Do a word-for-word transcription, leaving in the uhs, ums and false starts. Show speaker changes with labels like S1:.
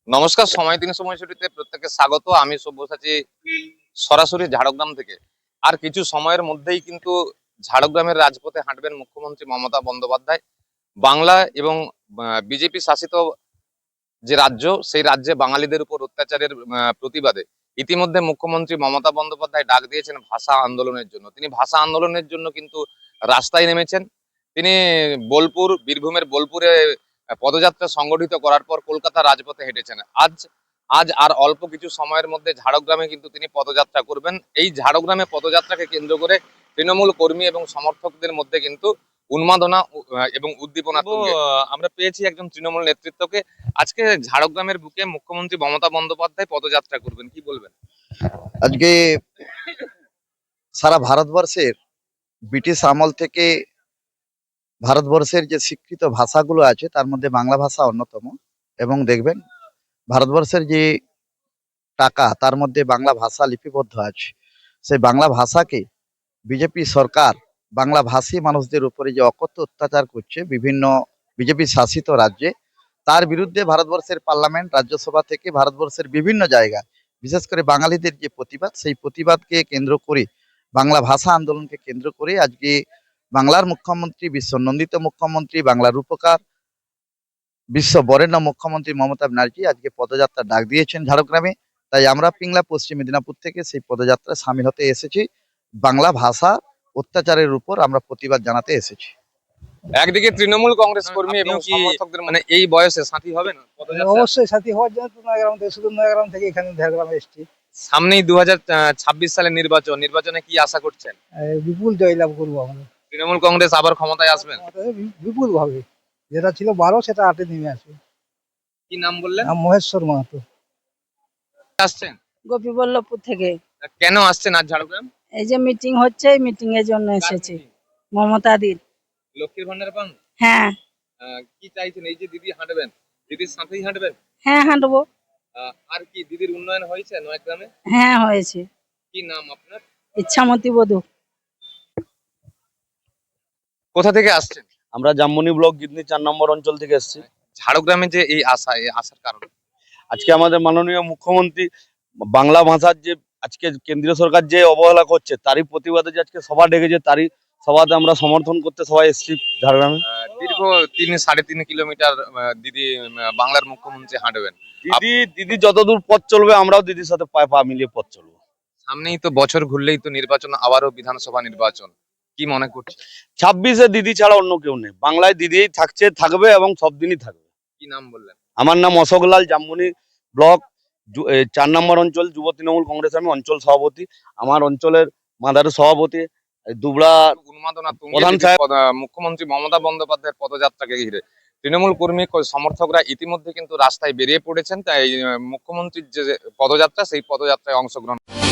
S1: নমস্কার, সময় তিন সময়সূচিতে প্রত্যেককে স্বাগত। আমি সব্যসাচী সরাসরি ঝাড়গ্রাম থেকে। আর কিছু সময়ের মধ্যেই কিন্তু ঝাড়গ্রামের রাজপথে হাঁটবেন মুখ্যমন্ত্রী মমতা বন্দ্যোপাধ্যায়। বাংলা এবং বিজেপি শাসিত যে রাজ্য, সেই রাজ্যে বাঙালিদের উপর অত্যাচারের আহ, প্রতিবাদে ইতিমধ্যে মুখ্যমন্ত্রী মমতা বন্দ্যোপাধ্যায় ডাক দিয়েছেন ভাষা আন্দোলনের জন্য। তিনি ভাষা আন্দোলনের জন্য কিন্তু রাস্তায় নেমেছেন। তিনি বোলপুর, বীরভূমের বোলপুরে পদযাত্রা সংগঠিত করার পর কলকাতা রাজপথে হেঁটেছেন। আজ আজ আর অল্প কিছু সময়ের মধ্যে ঝাড়গ্রামে কিন্তু তিনি পদযাত্রা করবেন। এই ঝাড়গ্রামে পদযাত্রাকে কেন্দ্র করে তৃণমূল কর্মী এবং সমর্থকদের মধ্যে কিন্তু উন্মাদনা আহ, এবং উদ্দীপনা তুঙ্গে। আহ, আমরা পেয়েছি একজন তৃণমূল নেতৃত্বকে। আজকে ঝাড়গ্রামের বুকে মুখ্যমন্ত্রী মমতা বন্দ্যোপাধ্যায় পদযাত্রা করবেন, কি বলবেন?
S2: আজকে সারা ভারতবর্ষের ব্রিটিশ আমল থেকে ভারতবর্ষের যে স্বীকৃত ভাষাগুলো আছে তার মধ্যে বাংলা ভাষা অন্যতম। এবং দেখবেন ভারতবর্ষের যে টাকা তার মধ্যে বাংলা ভাষা লিপিবদ্ধ আছে। সেই বাংলা ভাষাকে বিজেপি সরকার বাংলা ভাষী মানুষদের উপরে যে অকথ্য অত্যাচার করছে বিভিন্ন বিজেপি শাসিত রাজ্যে, তার বিরুদ্ধে ভারতবর্ষের পার্লামেন্ট, রাজ্যসভা থেকে ভারতবর্ষের বিভিন্ন জায়গায় বিশেষ করে বাঙালিদের যে প্রতিবাদ, সেই প্রতিবাদকে কেন্দ্র করে বাংলা ভাষা আন্দোলনকে কেন্দ্র করে আজকে বাংলার মুখ্যমন্ত্রী, বিশ্ব নন্দিত মুখ্যমন্ত্রী, বাংলার রূপকার, বিশ্ব বরেণ্য মুখ্যমন্ত্রী মমতা ব্যানার্জি আজকে পদযাত্রা ডাক দিয়েছেন ঝাড়গ্রামে। তাই আমরা পিংলা পশ্চিম মেদিনীপুর থেকে সেই পদযাত্রায় সামিল হতে এসেছি। বাংলা ভাষা অত্যাচারের উপর আমরা প্রতিবাদ জানাতে এসেছি।
S1: একদিকে তৃণমূল কংগ্রেস কর্মী এবং সমর্থকদের মানে এই বয়সে সাথী হবেন পদযাত্রা?
S3: অবশ্যই সাথী হওয়ার জন্য তো নয়াগ্রাম থেকে, শুধু নয়াগ্রাম থেকে এখানে ঝাড়গ্রামে এসেছি।
S1: সামনেই দু হাজার ছাব্বিশ সালের নির্বাচন, নির্বাচনে কি আশা করছেন?
S3: এই বিপুল জয়লাভ করবো আমরা।
S1: তৃণমূল কংগ্রেস আবার ক্ষমতায় আসবেন?
S3: আমাদের বি- বিপুল ভাবে যেটা ছিল বারো সেটা আটে নেমে আসবে।
S1: কি নাম বললেন?
S3: নাম মহেশ্বর মাহাতো।
S1: আসছেন?
S4: গোপীবল্লভপুর থেকে।
S1: কেন আসছেন আজ ঝাড়গ্রাম?
S4: এই যে মিটিং হচ্ছে, এই মিটিং এর জন্য এসেছি। মমতা দির।
S1: লক্ষ্মীর ভান্ডার পান?
S4: হ্যাঁ
S1: আহ, কি চাইছেন? এই যে দিদি হাঁটবেন, দিদির সাথেই হাঁটবেন?
S4: হ্যাঁ হাঁটবো।
S1: আহ, আর কি দিদির উন্নয়ন হয়েছে নয়াগ্রামে?
S4: হ্যাঁ হয়েছে।
S1: কি নাম আপনার?
S4: ইচ্ছামতি বধূ।
S1: কোথা থেকে আসছেন?
S5: আমরা জামমনি ব্লক গিদনি চার নম্বর অঞ্চল থেকে এসেছি।
S1: ঝাড়গ্রামে যে এই আশা, এই আশার কারণ?
S5: আজকে আমাদের মাননীয় মুখ্যমন্ত্রী বাংলা ভাষার যে আজকে কেন্দ্রীয় সরকার যে অবহেলা করছে তারই প্রতিবাদে যে আজকে সভা ডেকেছে, তারই সভাতে আমরা সমর্থন করতে সবাই এসেছি ঝাড়গ্রামে।
S1: আহ, দীর্ঘ তিন সাড়ে তিন কিলোমিটার আহ, দিদি আহ, বাংলার মুখ্যমন্ত্রী হাঁটবেন।
S5: দিদি দিদি যতদূর পথ চলবে আমরাও দিদির সাথে পায়ে পা মিলিয়ে পথ চলবো।
S1: সামনেই তো বছর ঘুরলেই তো নির্বাচন, আবারও বিধানসভা নির্বাচন, কি মনে করছে?
S5: ছাব্বিশে দিদি ছাড়া অন্য কেউ নেই, বাংলায় দিদি থাকছে, থাকবে এবং সব দিনই থাকবে।
S1: কি নাম বললেন?
S5: আমার নাম অশোক লাল, জামমনি ব্লক যু- এ, চার নম্বর অঞ্চল যুব তৃণমূল কংগ্রেস, আমি অঞ্চল সভাপতি। আমার অঞ্চলের মাদারের সভাপতি এই দুবড়া
S1: উন্মাদনা তুঙ্গে
S5: প্রধান
S1: দিদি
S5: সাহেব।
S1: পদ- আহ, মুখ্যমন্ত্রী মমতা বন্দ্যোপাধ্যায়ের পদযাত্রাকে ঘিরে তৃণমূল কর্মী ক- সমর্থকরা ইতিমধ্যে কিন্তু রাস্তায় বেরিয়ে পড়েছেন। তাই আহ, মুখ্যমন্ত্রীর যে পদযাত্রা, সেই পদযাত্রায় অংশগ্রহণ